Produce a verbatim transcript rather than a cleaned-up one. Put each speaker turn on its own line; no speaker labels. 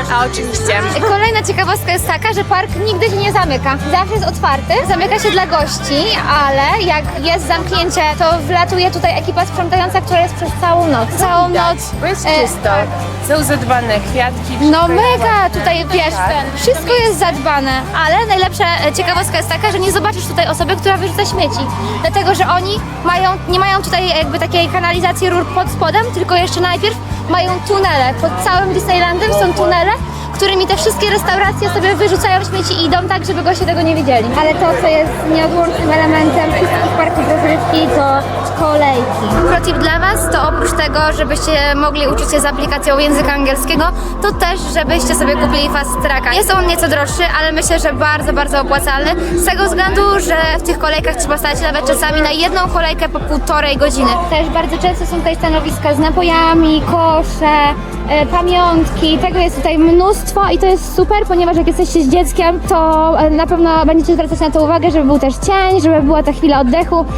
A oczywiście.
Kolejna ciekawostka jest taka, że park nigdy się nie zamyka. Zawsze jest otwarty, zamyka się dla gości, ale jak jest zamknięcie, to wlatuje tutaj ekipa sprzątająca, która jest przez całą noc. Całą noc.
Bo jest
e,
czysto. Są zadbane kwiatki.
No
wszystko jest
mega,
ładne.
tutaj wiesz,
Tak.
wszystko jest zadbane, ale najlepsza e, ciekawostka jest taka, że nie zobaczysz tutaj osoby, która wyrzuca śmieci, dlatego, że oni mają, nie mają tutaj jakby takiej kanalizacji rur pod spodem, tylko jeszcze najpierw mają tunele, pod całym Disneylandem są tunele, którymi te wszystkie restauracje sobie wyrzucają śmieci i idą tak, żeby goście tego nie wiedzieli. Ale to, co jest nieodłącznym elementem wszystkich parków rozrywki, to kolejki. Protip dla Was to oprócz tego, żebyście mogli uczyć się z aplikacją języka angielskiego, to też, żebyście sobie kupili Fast Tracka. Jest on nieco droższy, ale myślę, że bardzo, bardzo opłacalny. Z tego względu, że w tych kolejkach trzeba stać nawet czasami na jedną kolejkę po półtorej godziny. Też bardzo często są tutaj stanowiska z napojami, kosze, e, pamiątki. Tego jest tutaj mnóstwo i to jest super, ponieważ jak jesteście z dzieckiem, to e, na pewno będziecie zwracać na to uwagę, żeby był też cień, żeby była ta chwila oddechu.